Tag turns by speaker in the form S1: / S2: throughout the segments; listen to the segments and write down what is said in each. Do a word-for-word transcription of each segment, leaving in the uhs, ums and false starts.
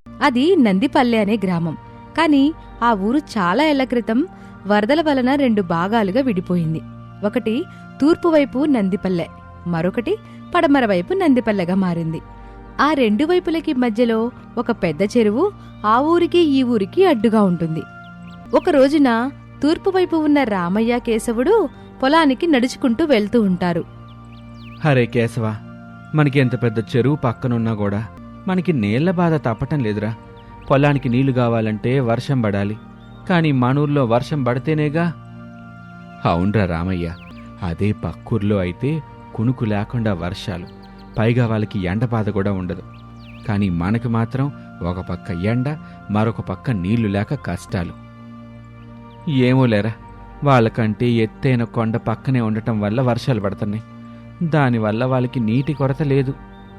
S1: అది నందిపల్లె అనే గ్రామం. కాని ఆ ఊరు చాలా ఏళ్ల క్రితం వరదల వలన రెండు భాగాలుగా విడిపోయింది. ఒకటి తూర్పువైపు నందిపల్లె, మరొకటి పడమర వైపు నందిపల్లెగా మారింది. ఆ రెండు వైపులకి మధ్యలో ఒక పెద్ద చెరువు ఆ ఊరికి ఈ ఊరికి అడ్డుగా ఉంటుంది. ఒక రోజున తూర్పువైపు ఉన్న రామయ్య, కేశవుడు పొలానికి నడుచుకుంటూ వెళ్తూ ఉంటారు.
S2: హరే కేశవ, మనకి ఎంత పెద్ద చెరువు పక్కనున్నా కూడా మనకి నీళ్ల బాధ తప్పటం లేదురా. పొలానికి నీళ్లు కావాలంటే వర్షం పడాలి, కానీ మనూర్లో వర్షం పడితేనేగా. అవునరా రామయ్య, అదే పక్కూర్లో అయితే కునుకు లేకుండా వర్షాలు, పైగా వాళ్ళకి ఎండ బాధ కూడా ఉండదు. కానీ మనకి మాత్రం ఒక పక్క ఎండ, మరొక పక్క నీళ్లు లేక కష్టాలు. ఏమో లేరా, వాళ్ళకంటే ఎత్తైన కొండ పక్కనే ఉండటం వల్ల వర్షాలు పడుతున్నాయి. దానివల్ల వాళ్ళకి నీటి కొరత లేదు.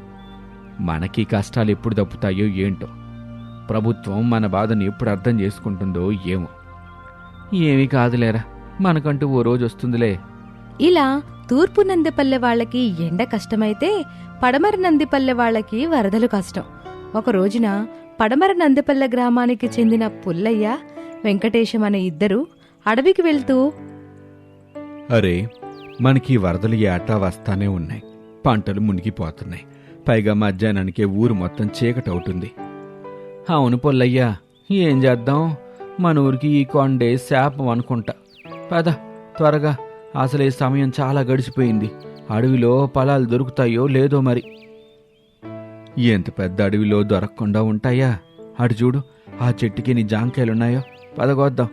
S2: మనకి కష్టాలు ఎప్పుడు తప్పుతాయో ఏంటో. ప్రభుత్వం మన బాధను ఎప్పుడు అర్థం చేసుకుంటుందో ఏమో. ఏమీ కాదులేరా, మనకంటూ ఓ రోజు వస్తుందిలే.
S1: ఇలా తూర్పు నందిపల్లె వాళ్లకి ఎండ కష్టమైతే పడమర నందిపల్లె వాళ్లకి వరదలు కష్టం. ఒక రోజున పడమర నందిపల్లె గ్రామానికి చెందిన పుల్లయ్య, వెంకటేశం అనే ఇద్దరు అడవికి వెళ్తూ,
S2: అరే, మనకి వరదలు ఏటా వస్తానే ఉన్నాయి, పంటలు మునిగిపోతున్నాయి, పైగా మధ్యాహ్నానికే ఊరు మొత్తం చీకటవుతుంది. అవును పుల్లయ్యా, ఏం చేద్దాం, మన ఊరికి ఈ కొండే శాపం అనుకుంటా. పద త్వరగా, అసలే సమయం చాలా గడిచిపోయింది. అడవిలో పొలాలు దొరుకుతాయో లేదో మరి. ఎంత పెద్ద అడవిలో దొరకకుండా ఉంటాయా? అటు చూడు, ఆ చెట్టుకి నీ జాంకాయలున్నాయో, పదగొద్దాం.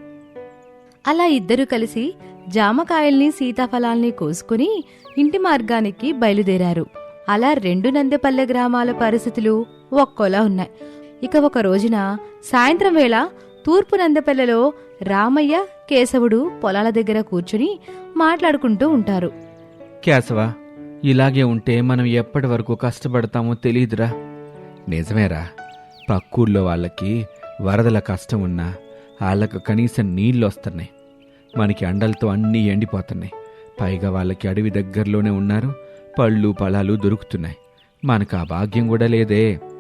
S1: అలా ఇద్దరూ కలిసి జామకాయల్ని, సీతాఫలాల్ని కోసుకుని ఇంటి మార్గానికి బయలుదేరారు. అలా రెండు నందిపల్లె గ్రామాల పరిస్థితులు ఒక్కోలా ఉన్నాయి. ఇక ఒక రోజున సాయంత్రం వేళ తూర్పు నందిపల్లెలో రామయ్య, కేశవుడు పొలాల దగ్గర కూర్చుని మాట్లాడుకుంటూ ఉంటారు.
S2: కేశవ, ఇలాగే ఉంటే మనం ఎప్పటి వరకు కష్టపడతామో తెలీదురా. నిజమేరా, పక్కూర్లో వాళ్ళకి వరదల కష్టం ఉన్నా వాళ్ళకు కనీసం నీళ్ళొస్తున్నాయి. మనకి అండలతో అన్నీ ఎండిపోతున్నాయి. పైగా వాళ్ళకి అడవి దగ్గరలోనే ఉన్నారు, పళ్ళు పొలాలు దొరుకుతున్నాయి. మనకు ఆ భాగ్యం కూడా లేదే.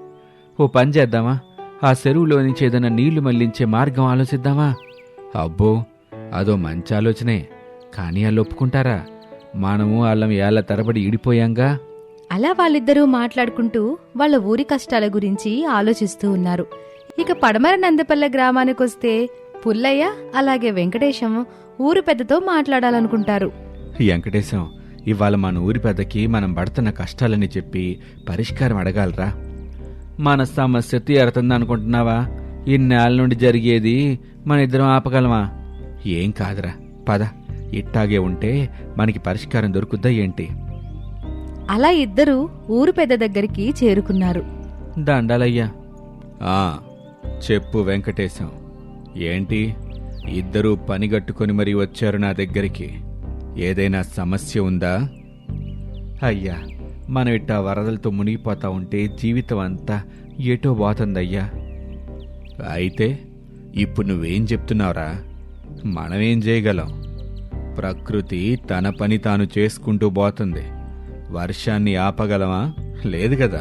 S2: ఓ పని చేద్దామా, ఆ చెరువులో నుంచి ఏదైనా నీళ్లు మళ్లించే మార్గం ఆలోచిద్దామా? అబ్బో, అదో మంచి ఆలోచనే, కానీ వాళ్ళు ఒప్పుకుంటారా? మనము వాళ్ళం ఏళ్ల తరబడి ఇడిపోయాంగా.
S1: అలా వాళ్ళిద్దరూ మాట్లాడుకుంటూ వాళ్ళ ఊరి కష్టాల గురించి ఆలోచిస్తూ ఉన్నారు. ఇక పడమర నందిపల్లె గ్రామానికొస్తే పుల్లయ్య అలాగే వెంకటేశం ఊరు పెద్దతో మాట్లాడాలనుకుంటారు.
S2: వెంకటేశం, ఇవాళ మన ఊరి పెద్దకి మనం పడుతున్న కష్టాలని చెప్పి పరిష్కారం అడగాలరా. మన సమస్య తీరుతుందనుకుంటున్నావా? ఇన్నేళ్ళ నుండి జరిగేది మన ఇద్దరం ఆపగలమా? ఏం కాదురా, పద, ఇట్టాగే ఉంటే మనకి పరిష్కారం దొరుకుద్దా ఏంటి?
S1: అలా ఇద్దరూ ఊరు పెద్ద దగ్గరికి చేరుకున్నారు.
S2: దండాలయ్యా. ఆ చెప్పు వెంకటేశం, ఏంటి ఇద్దరూ పనిగట్టుకొని మరీ వచ్చారు నా దగ్గరికి? ఏదైనా సమస్య ఉందా? అయ్యా, మనం ఇట్టా వరదలతో మునిగిపోతా ఉంటే జీవితం అంతా ఏటో పోతుందయ్యా. అయితే ఇప్పుడు నువ్వేం చెప్తున్నావురా? మనమేం చేయగలం? ప్రకృతి తన పని తాను చేసుకుంటూ పోతుంది. వర్షాన్ని ఆపగలమా? లేదు కదా.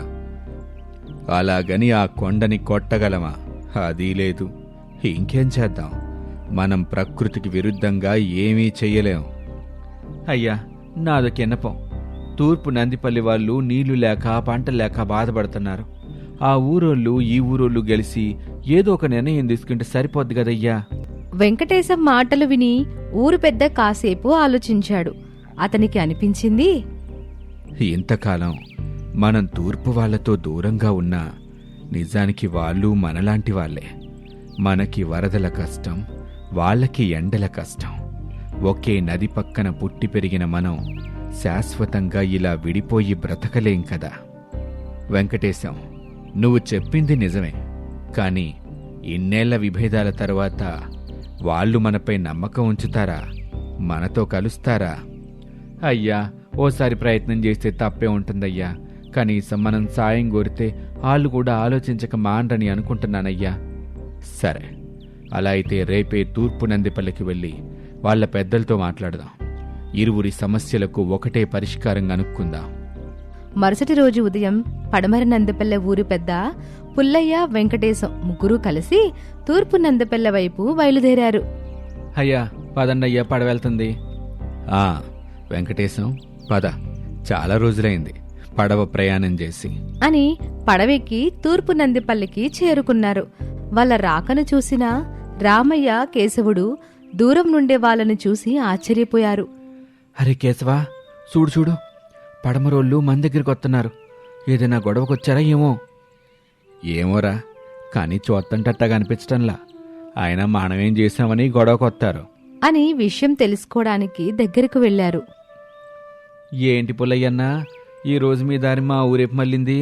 S2: అలాగని ఆ కొండని కొట్టగలమా? అది లేదు. ఇంకేం చేద్దాం? మనం ప్రకృతికి విరుద్ధంగా ఏమీ చెయ్యలేం. అయ్యా, నాదొక ఎన్నపం. తూర్పు నందిపల్లి వాళ్ళు నీళ్లు లేక పంట లేక బాధపడుతున్నారు. ఆ ఊరోళ్ళు ఈ ఊరోళ్ళు గెలిచి ఏదో ఒక నిర్ణయం తీసుకుంటే సరిపోద్ది కదయ్యా.
S1: వెంకటేశం మాటలు విని ఊరు పెద్ద కాసేపు ఆలోచించాడు. అతనికి అనిపించింది,
S2: ఇంతకాలం మనం తూర్పు వాళ్లతో దూరంగా ఉన్నా నిజానికి వాళ్ళు మనలాంటి వాళ్లే. మనకి వరదల కష్టం, వాళ్ళకి ఎండల కష్టం. ఒకే నది పక్కన పుట్టి పెరిగిన మనం శాశ్వతంగా ఇలా విడిపోయి బ్రతకలేం కదా. వెంకటేశం, నువ్వు చెప్పింది నిజమే. కానీ ఇన్నేళ్ల విభేదాల తరువాత వాళ్ళు మనపై నమ్మకం ఉంచుతారా? మనతో కలుస్తారా? అయ్యా, ఓసారి ప్రయత్నం చేస్తే తప్పే ఉంటుందయ్యా. కనీసం మనం సాయం కోరితే వాళ్ళు కూడా ఆలోచించక మాండ్రని అనుకుంటున్నానయ్యా. సరే, అలా అయితే రేపే తూర్పు నందిపల్లికి వెళ్ళి వాళ్ల పెద్దలతో మాట్లాడదాం. ఇరువురి సమస్యలకు ఒకటే పరిష్కారం కనుక్కుందాం.
S1: మరుసటి రోజు ఉదయం పడమర నందిపల్లె ఊరు పెద్ద పుల్లయ్య వెంకటేశం ముగ్గురూ కలిసి తూర్పు నందిపల్లె వైపు బయలుదేరారు.
S2: అయ్యా పదండయ్యా పడవెళ్తుంది. ఆ వెంకటేశం పద, చాలా రోజులైంది పడవ ప్రయాణం చేసి
S1: అని పడవెక్కి తూర్పు నందిపల్లికి చేరుకున్నారు. వాళ్ళ రాకను చూసిన రామయ్య, కేశవుడు దూరం నుండే వాళ్ళని చూసి ఆశ్చర్యపోయారు.
S2: అరే కేశవా, చూడు చూడు, పడమరోళ్ళు మన దగ్గరికి వస్తున్నారు. ఏదైనా గొడవకొచ్చారా ఏమో? ఏమోరా, కానీ చూత్తంటట్టగా అనిపించటంలా. ఆయన మనమేం చేశామని గొడవకొత్తారు
S1: అని విషయం తెలుసుకోవడానికి దగ్గరకు వెళ్లారు.
S2: ఏంటి పుల్లయ్యన్నా, ఈరోజు మీ దారి మా ఊరేపు మళ్ళింది?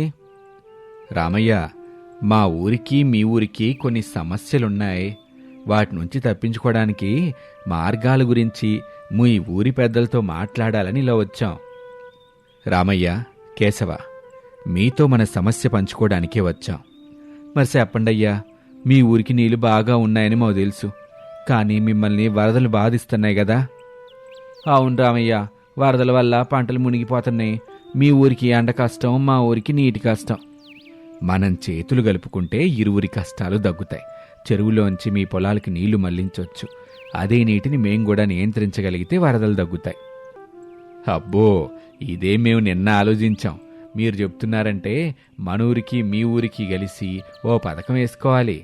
S2: రామయ్య, మా ఊరికి మీ ఊరికి కొన్ని సమస్యలున్నాయి. వాటి నుంచి తప్పించుకోవడానికి మార్గాల గురించి మీ ఊరి పెద్దలతో మాట్లాడాలని ఇలా వచ్చాం. రామయ్య, కేశవ, మీతో మన సమస్య పంచుకోవడానికే వచ్చాం. మరి చెప్పండయ్యా, మీ ఊరికి నీళ్లు బాగా ఉన్నాయని మాకు తెలుసు, కానీ మిమ్మల్ని వరదలు బాధిస్తున్నాయి కదా? అవును రామయ్య, వరదల వల్ల పంటలు మునిగిపోతున్నాయి. మీ ఊరికి ఎండ కష్టం, మా ఊరికి నీటి కష్టం. మనం చేతులు కలుపుకుంటే ఇరువురి కష్టాలు దగ్గుతాయి. చెరువులోంచి మీ పొలాలకి నీళ్లు మళ్లించవచ్చు. అదే నీటిని మేం కూడా నియంత్రించగలిగితే వరదలు దగ్గుతాయి. అబ్బో, ఇదే మేము నిన్న ఆలోచించాం. మీరు చెప్తున్నారంటే మన ఊరికి మీ ఊరికి కలిసి ఓ పథకం వేసుకోవాలి.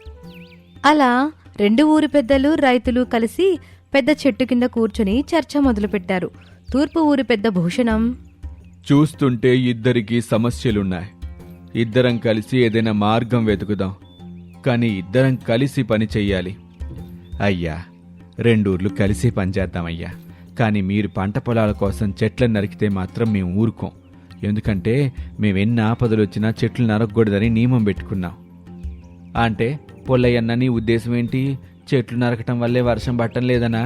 S1: అలా రెండు ఊరి పెద్దలు, రైతులు కలిసి పెద్ద చెట్టు కింద కూర్చొని చర్చ మొదలుపెట్టారు. తూర్పు ఊరి పెద్ద భూషణం,
S2: చూస్తుంటే ఇద్దరికి సమస్యలున్నాయి. ఇద్దరం కలిసి ఏదైనా మార్గం వెతుకుదాం, కానీ ఇద్దరం కలిసి పని చెయ్యాలి. అయ్యా, రెండూర్లు కలిసి పనిచేద్దామయ్యా. కానీ మీరు పంట పొలాల కోసం చెట్లను నరికితే మాత్రం మేము ఊరుకోం. ఎందుకంటే మేమెన్ని ఆపదలు వచ్చినా చెట్లు నరకకూడదని నియమం పెట్టుకున్నాం. అంటే పొల్లయ్యన్న, నీ ఉద్దేశం ఏంటి? చెట్లు నరకటం వల్లే వర్షం పట్టం లేదనా?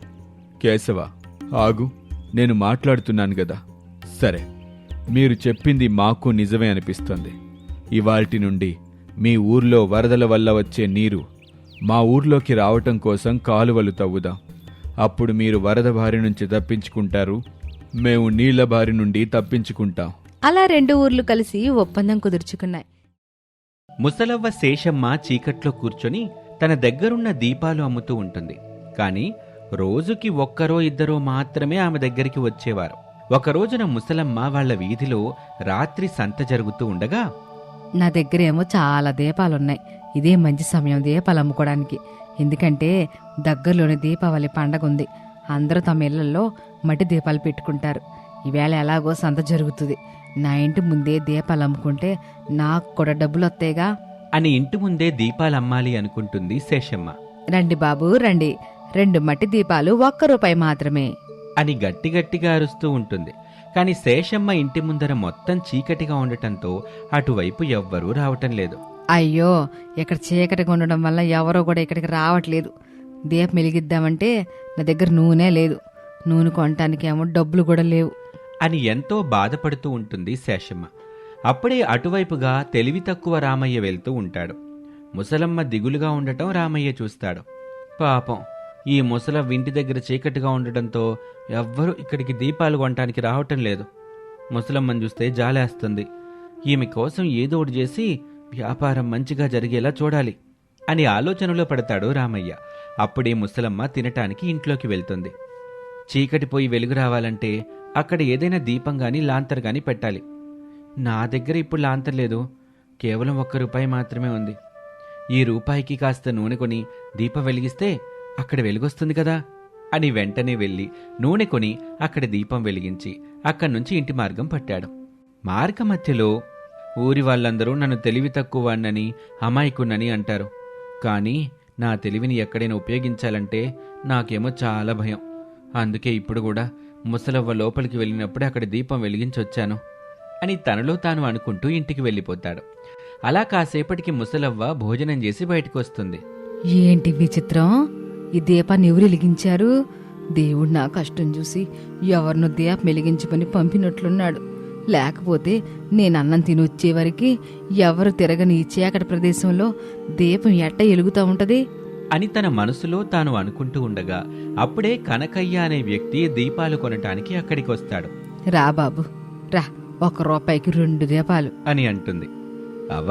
S2: కేశవ, ఆగు, నేను మాట్లాడుతున్నాను కదా. సరే, మీరు చెప్పింది మాకు నిజమే అనిపిస్తుంది. ఇవాల్టి నుండి మీ ఊర్లో వరదల వల్ల వచ్చే నీరు మా ఊర్లోకి రావటం కోసం కాలువలు తవ్వుదాం. అప్పుడు మీరు వరద బారి నుంచి తప్పించుకుంటారు, మేము నీళ్ల బారి నుండి తప్పించుకుంటాం.
S1: అలా రెండు ఊర్లు కలిసి ఒప్పందం కుదుర్చుకున్నాయి.
S3: ముసలవ్వ శేషమ్మ చీకట్లో కూర్చొని తన దగ్గరున్న దీపాలు అమ్ముతూ ఉంటుంది. కాని రోజుకి ఒక్కరో ఇద్దరో మాత్రమే ఆమె దగ్గరికి వచ్చేవారు. ఒకరోజున ముసలమ్మ వాళ్ల వీధిలో రాత్రి సంత జరుగుతూ ఉండగా,
S1: నా దగ్గరేమో చాలా దీపాలున్నాయి. ఇదే మంచి సమయం దీపాలు అమ్ముకోవడానికి. ఎందుకంటే దగ్గరలోని దీపావళి పండగ ఉంది. అందరూ తమ ఇళ్లలో మట్టి దీపాలు పెట్టుకుంటారు. ఈవేళ ఎలాగో సంత జరుగుతుంది. నా ఇంటి ముందే దీపాలు అమ్ముకుంటే నాకు కూడా డబ్బులు వస్తాయిగా
S3: అని ఇంటి ముందే దీపాలమ్మాలి అనుకుంటుంది శేషమ్మ.
S1: రండి బాబు రండి, రెండు మట్టి దీపాలు ఒక్క రూపాయి మాత్రమే
S3: అని గట్టి గట్టిగా అరుస్తూ ఉంటుంది. కాని శేషమ్మ ఇంటి ముందర మొత్తం చీకటిగా ఉండటంతో అటువైపు ఎవ్వరూ రావటం లేదు.
S1: అయ్యో, ఇక్కడ చీకటిగా ఉండడం వల్ల ఎవరో కూడా ఇక్కడికి రావట్లేదు. దీపం వెలిగిద్దామంటే నా దగ్గర నూనె లేదు, నూనె కొనటానికి ఏమో డబ్బులు కూడా లేవు
S3: అని ఎంతో బాధపడుతూ ఉంటుంది శేషమ్మ. అప్పుడే అటువైపుగా తెలివి తక్కువ రామయ్య వెళ్తూ ఉంటాడు. ముసలమ్మ దిగులుగా ఉండటం రామయ్య చూస్తాడు. పాపం, ఈ ముసలవ్వ ఇంటి దగ్గర చీకటిగా ఉండటంతో ఎవ్వరూ ఇక్కడికి దీపాలు కొనటానికి రావటం లేదు. ముసలమ్మని చూస్తే జాలేస్తుంది. ఈమె కోసం ఏదో ఒకటి చేసి వ్యాపారం మంచిగా జరిగేలా చూడాలి అని ఆలోచనలో పడతాడు రామయ్య. అప్పుడే ముసలమ్మ తినటానికి ఇంట్లోకి వెళ్తుంది. చీకటి పోయి వెలుగు రావాలంటే అక్కడ ఏదైనా దీపం గాని లాంతర్ గాని పెట్టాలి. నా దగ్గర ఇప్పుడు లాంతర్ లేదు, కేవలం ఒక్క రూపాయి మాత్రమే ఉంది. ఈ రూపాయికి కాస్త నూనె కొని దీపం వెలిగిస్తే అక్కడ వెలుగొస్తుంది కదా అని వెంటనే వెళ్ళి నూనె కొని అక్కడ దీపం వెలిగించి అక్కడి నుంచి ఇంటి మార్గం పట్టాడు. మార్గ మధ్యలో ఊరి వాళ్ళందరూ నన్ను తెలివి తక్కువ వాణ్ణని, అమాయకున్నని అంటారు. కానీ నా తెలివిని ఎక్కడైనా ఉపయోగించాలంటే నాకేమో చాలా భయం. అందుకే ఇప్పుడు కూడా ముసలవ్వ లోపలికి వెళ్ళినప్పుడే అక్కడ దీపం వెలిగించొచ్చాను అని తనలో తాను అనుకుంటూ ఇంటికి వెళ్ళిపోతాడు. అలా కాసేపటికి ముసలవ్వ భోజనం చేసి బయటకు వస్తుంది.
S1: ఏంటి విచిత్రం, ఈ దీపాన్ని ఎవరు వెలిగించారు? దేవుడు నా కష్టం చూసి ఎవరినో దీపం వెలిగించమని పంపినట్లున్నాడు. లేకపోతే నేను అన్నం తిని వచ్చేవరికి ఎవరు తిరగని ఈ చీకటి ప్రదేశంలో దీపం ఎట్ట ఎలుగుతూ ఉంటది
S3: అని తన మనసులో తాను అనుకుంటూ ఉండగా అప్పుడే కనకయ్య అనే వ్యక్తి దీపాలు కొనటానికి అక్కడికి వస్తాడు.
S1: రా బాబు రా, ఒక రూపాయికి రెండు దీపాలు
S3: అని అంటుంది. అవ్వా,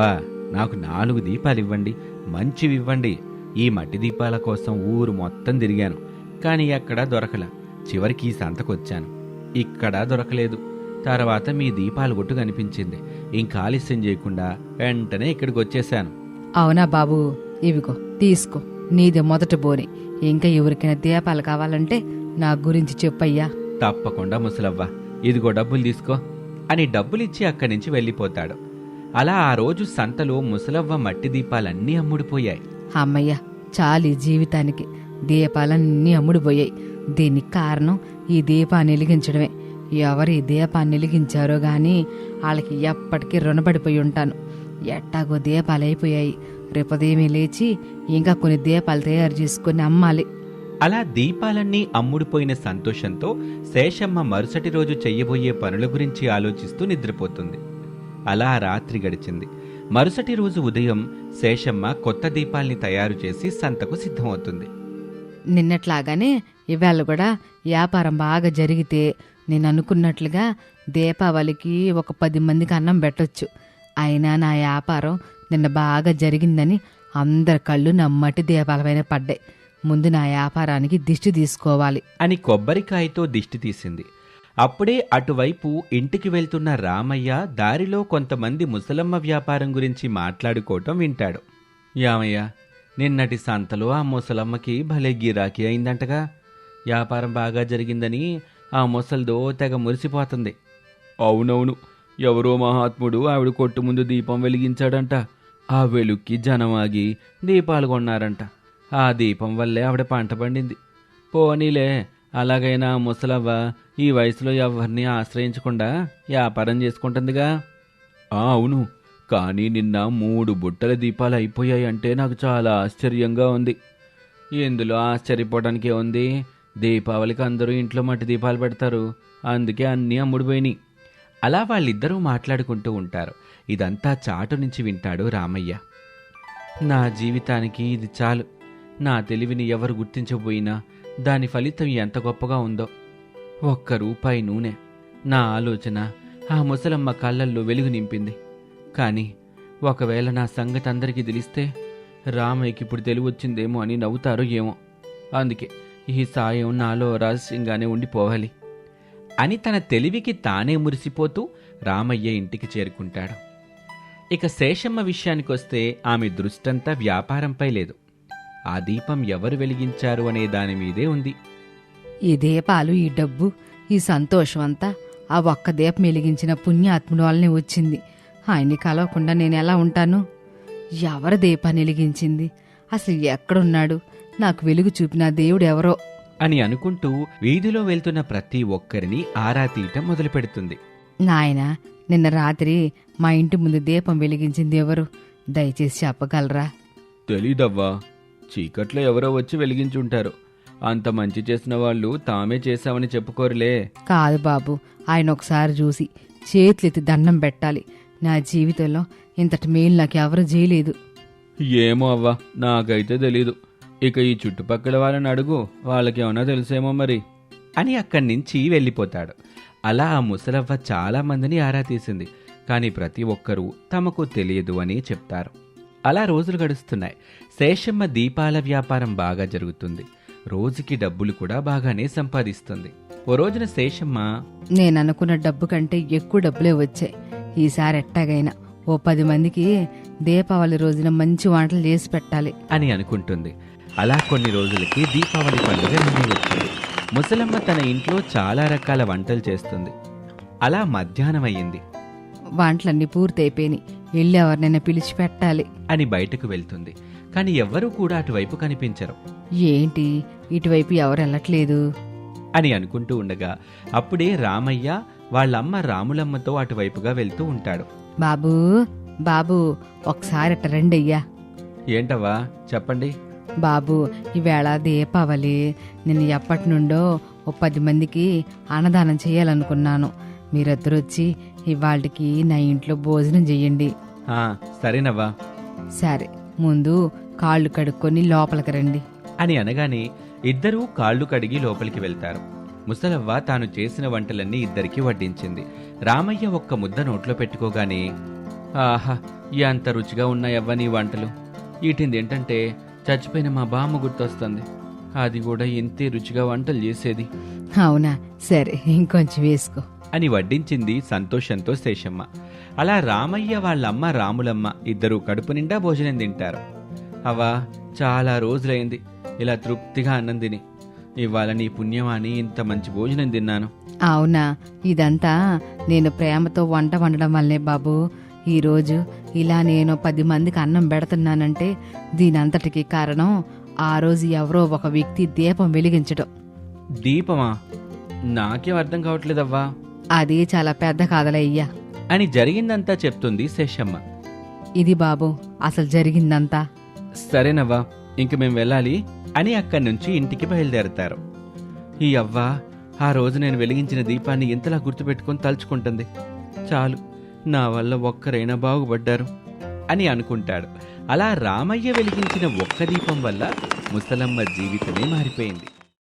S3: నాకు నాలుగు దీపాలు ఇవ్వండి, మంచివి ఇవ్వండి. ఈ మట్టి దీపాల కోసం ఊరు మొత్తం తిరిగాను, కానీ ఎక్కడా దొరకల. చివరికి ఈ సంతకొచ్చాను, ఇక్కడా దొరకలేదు. తర్వాత మీ దీపాల గుట్టు కనిపించింది. ఇంకా ఆలస్యం చేయకుండా వెంటనే ఇక్కడికి వచ్చేశాను.
S1: అవునా బాబు, ఇవిగో తీసుకో, నీది మొదటి బోని. ఇంకా ఎవరికైనా దీపాలు కావాలంటే నా గురించి చెప్పయ్యా.
S3: తప్పకుండా ముసలవ్వ, ఇదిగో డబ్బులు తీసుకో అని డబ్బులిచ్చి అక్కడి నుంచి వెళ్ళిపోతాడు. అలా ఆ రోజు సంతలో ముసలవ్వ మట్టి దీపాలన్నీ అమ్ముడిపోయాయి.
S1: అమ్మయ్య, చాలు ఈ జీవితానికి. దీపాలన్నీ అమ్ముడుపోయాయి. దీనికి కారణం ఈ దీపాన్ని వెలిగించడమే. ఎవరు ఈ దీపాన్ని వెలిగించారో గాని వాళ్ళకి ఎప్పటికీ రుణపడిపోయి ఉంటాను. ఎట్టాగో దీపాలు అయిపోయాయి. రేపదేమీ లేచి ఇంకా కొన్ని దీపాలు తయారు చేసుకుని అమ్మాలి.
S3: అలా దీపాలన్నీ అమ్ముడుపోయిన సంతోషంతో శేషమ్మ మరుసటి రోజు చెయ్యబోయే పనుల గురించి ఆలోచిస్తూ నిద్రపోతుంది. అలా రాత్రి గడిచింది. మరుసటి రోజు ఉదయం శేషమ్మ కొత్త దీపాల్ని తయారు చేసి సంతకు సిద్ధమవుతుంది.
S1: నిన్నట్లాగానే ఇవాళ కూడా వ్యాపారం బాగా జరిగితే నేను అనుకున్నట్లుగా దీపావళికి ఒక పది మందికి అన్నం పెట్టొచ్చు. అయినా నా వ్యాపారం నిన్న బాగా జరిగిందని అందరి కళ్ళు నా మట్టి దీపాలపైన పడ్డాయి. ముందు నా వ్యాపారానికి దిష్టి తీసుకోవాలి
S3: అని కొబ్బరికాయతో దిష్టి తీసింది. అప్పుడే అటువైపు ఇంటికి వెళ్తున్న రామయ్య దారిలో కొంతమంది ముసలమ్మ వ్యాపారం గురించి మాట్లాడుకోవటం వింటాడు. యామయ్య, నిన్నటి సంతలో ఆ ముసలమ్మకి భలే గిరాకీ అయిందంటగా. వ్యాపారం బాగా జరిగిందని ఆ ముసల్దో తెగ మురిసిపోతుంది. అవునవును, ఎవరో మహాత్ముడు ఆవిడ కొట్టు ముందు దీపం వెలిగించాడంట. ఆ వెలుక్కి జనమాగి దీపాలు కొన్నారంట. ఆ దీపం వల్లే ఆవిడ పంట పండింది. పోనీలే, అలాగైనా ముసలవ్వ ఈ వయసులో ఎవరిని ఆశ్రయించకుండా వ్యాపారం చేసుకుంటుందిగా. ఆ అవును, కానీ నిన్న మూడు బుట్టల దీపాలు అయిపోయాయి అంటే నాకు చాలా ఆశ్చర్యంగా ఉంది. ఎందులో ఆశ్చర్యపోవడానికే ఉంది? దీపావళికి అందరూ ఇంట్లో మట్టి దీపాలు పెడతారు, అందుకే అన్నీ అమ్ముడుపోయినాయి. అలా వాళ్ళిద్దరూ మాట్లాడుకుంటూ ఉంటారు. ఇదంతా చాటు నుంచి వింటాడు రామయ్య. నా జీవితానికి ఇది చాలు. నా తెలివిని ఎవరు గుర్తించబోయినా దాని ఫలితం ఎంత గొప్పగా ఉందో. ఒక్క రూపాయి నూనె, నా ఆలోచన ఆ ముసలమ్మ కళ్ళల్లో వెలుగు నింపింది. కానీ ఒకవేళ నా సంగతి అందరికీ తెలిస్తే రామయ్యకి ఇప్పుడు తెలివొచ్చిందేమో అని నవ్వుతారో ఏమో. అందుకే ఈ సాయం నాలో రహస్యంగానే ఉండిపోవాలి అని తన తెలివికి తానే మురిసిపోతూ రామయ్య ఇంటికి చేరుకుంటాడు. ఇక శేషమ్మ విషయానికొస్తే ఆమె దృష్టంతా వ్యాపారంపై లేదు. ఆ దీపం ఎవరు వెలిగించారు అనే దాని మీదే ఉంది.
S1: ఈ దీపాలు, ఈ డబ్బు, ఈ సంతోషం అంతా ఆ ఒక్క దీపం వెలిగించిన పుణ్యాత్ముడు వల్లనే వచ్చింది. ఆయన్ని కలవకుండా నేను ఎలా ఉంటాను? ఎవరు దీపాన్ని వెలిగించింది? అసలు ఎక్కడున్నాడు? నాకు వెలుగు చూపిన దేవుడు ఎవరో
S3: అని అనుకుంటూ వీధిలో వెళ్తున్న ప్రతి ఒక్కరిని ఆరా తీయటం మొదలు పెడుతుంది.
S1: నాయనా, నిన్న రాత్రి మా ఇంటి ముందు దీపం వెలిగించింది ఎవరు? దయచేసి చెప్పగలరా?
S2: తెలీదవ్వా, చీకట్లో ఎవరో వచ్చి వెలిగించుంటారు. అంత మంచి చేసిన వాళ్ళు తామే చేశామని చెప్పుకోరులే.
S1: కాదు బాబు, ఆయన ఒకసారి చూసి చేతులెత్తి దండం పెట్టాలి. నా జీవితంలో ఇంతటి మేలు నాకు ఎవరు చేయలేదు.
S2: ఏమో అవ్వా, నాకైతే తెలీదు. ఇక ఈ చుట్టుపక్కల వాళ్ళని అడుగు, వాళ్ళకేమన్నా తెలుసేమో మరి
S3: అని అక్కడి నుంచి వెళ్ళిపోతాడు. అలా ఆ ముసలవ్వ చాలా మందిని ఆరా తీసింది. కానీ ప్రతి ఒక్కరూ తమకు తెలియదు అని చెప్తారు. అలా రోజులు గడుస్తున్నాయి. శేషమ్మ దీపాల వ్యాపారం బాగా జరుగుతుంది. రోజుకి డబ్బులు కూడా బాగానే సంపాదిస్తుంది. ఓ రోజున శేషమ్మ,
S1: నేననుకున్న డబ్బు కంటే ఎక్కువ డబ్బులే వచ్చాయి. ఈసారి ఎట్టాగైనా ఓ పది మందికి దీపావళి రోజున మంచి వంటలు చేసి పెట్టాలి
S3: అని అనుకుంటుంది. అలా కొన్ని రోజులకి దీపావళి పండుగ నుండి వచ్చింది. ముసలమ్మ తన ఇంట్లో చాలా రకాల వంటలు చేస్తుంది. అలా మధ్యాహ్నం అయ్యింది.
S1: వంటలన్నీ పూర్తయిపోయినాయి, వెళ్ళి ఎవరినైనా పిలిచి పెట్టాలి
S3: అని బయటకు వెళ్తుంది. కానీ ఎవ్వరూ కూడా అటువైపు కనిపించరు.
S1: ఏంటి ఇటువైపు ఎవరు వెళ్ళట్లేదు
S3: అని అనుకుంటూ ఉండగా అప్పుడే రామయ్య వాళ్ళమ్మ రాములమ్మతో అటువైపుగా వెళ్తూ ఉంటాడు.
S1: బాబూ బాబు ఒకసారి అట్ట రండి అయ్యా.
S3: ఏంటవ్వా, చెప్పండి.
S1: బాబు, ఈవేళ దీపావళి. నేను ఎప్పటి నుండో ఓ పది మందికి అన్నదానం చేయాలనుకున్నాను. మీరిద్దరు వచ్చి ఇవాళకి నా ఇంట్లో భోజనం చెయ్యండి.
S3: ఆ సరేనవ్వా.
S1: సరే, ముందు కాళ్ళు కడుక్కొని లోపలికి రండి
S3: అని అనగానే ఇద్దరూ కాళ్ళు కడిగి లోపలికి వెళ్తారు. ముసలవ్వ తాను చేసిన వంటలన్నీ ఇద్దరికీ వడ్డించింది. రామయ్య ఒక్క ముద్ద నోట్లో పెట్టుకోగానే, ఆహా ఎంత రుచిగా ఉన్నాయవ్వ నీ వంటలు. వీటిని ఏంటంటే చచ్చిపోయిన మా బామ్మ గుర్తొస్తుంది. అది కూడా ఇంతే రుచిగా వంటలు చేసేది
S1: అవునా, సరే ఇంకొంచెం వేసుకో.
S3: అని వడ్డించింది సంతోషంతో శేషమ్మ. అలా రామయ్య వాళ్ళమ్మ రాములమ్మ ఇద్దరూ కడుపు నిండా భోజనం తింటారు. అవ్వా, చాలా రోజులైంది ఇలా తృప్తిగా అన్నం తిని. ఇవాళ నీ పుణ్యమాని ఇంత మంచి భోజనం తిన్నాను.
S1: అవునా, ఇదంతా నేను ప్రేమతో వంట వండడం వల్లే బాబు. ఈరోజు ఇలా నేను పది మందికి అన్నం పెడుతున్నానంటే దీనంతటికి కారణం ఆ రోజు ఎవరో ఒక వ్యక్తి దీపం వెలిగించడం.
S3: దీపమా? నాకేం అర్థం కావట్లేదవ్వా
S1: అది చాలా పెద్ద కాదలయ్యా
S3: అని జరిగిందంతా చెప్తుంది శేషమ్మ.
S1: ఇది బాబు అసలు జరిగిందంతా.
S3: సరేనవ్వా, ఇంక మేం వెళ్ళాలి అని అక్కడి నుంచి ఇంటికి బయలుదేరతారు. ఈ అవ్వ ఆ రోజు నేను వెలిగించిన దీపాన్ని ఇంతలా గుర్తుపెట్టుకొని తలుచుకుంటుంది. చాలు, నా వల్ల ఒక్కరైనా బాగుపడ్డారు అని అనుకుంటాడు. అలా రామయ్య వెలిగించిన ఒక్క దీపం వల్ల ముసలమ్మ జీవితమే మారిపోయింది.